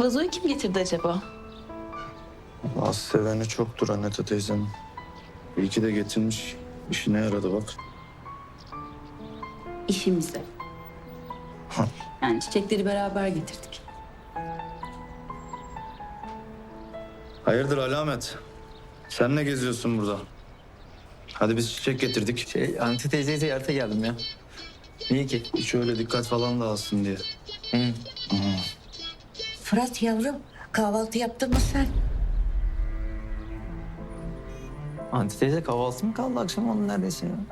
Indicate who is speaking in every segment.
Speaker 1: Vazoyu kim getirdi acaba?
Speaker 2: Az seveni çoktur Annete teyzenin. İyi ki de getirmiş. İşine yaradı bak.
Speaker 1: İşimize.
Speaker 2: Ha.
Speaker 1: Yani çiçekleri beraber getirdik.
Speaker 2: Hayırdır Alamet? Sen ne geziyorsun burada? Hadi biz çiçek getirdik.
Speaker 3: Anti teyzeyi ziyarete geldim ya. Niye ki?
Speaker 2: Hiç öyle dikkat falan dağılsın diye.
Speaker 4: Fırat yavrum, kahvaltı yaptın mı sen?
Speaker 3: Anti teyze kahvaltı mı kaldı akşam onun neredeyse ya?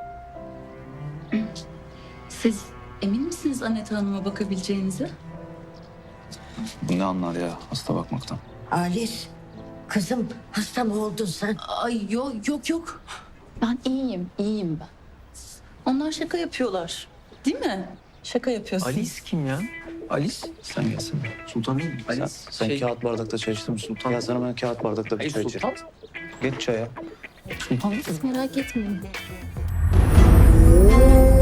Speaker 1: Siz emin misiniz Annette Hanım'a bakabileceğinize?
Speaker 2: Bu ne anlar ya hasta bakmaktan?
Speaker 4: Alice, kızım hasta mı oldun sen?
Speaker 1: Ay yok. Ben iyiyim ben. Onlar şaka yapıyorlar. Değil mi? Şaka yapıyorsunuz.
Speaker 3: Alice kim ya? Alice?
Speaker 2: Sen gelsene. Sultan değil mi?
Speaker 3: Alice,
Speaker 2: Sen
Speaker 3: şey-
Speaker 2: kağıt bardakta çay içtin mi Sultan? Ya sana ben kağıt bardakta bir
Speaker 3: Hayır,
Speaker 2: çay
Speaker 3: Sultan.
Speaker 2: içerim. Geç çaya.
Speaker 3: Sultan
Speaker 1: Siz merak etmeyin.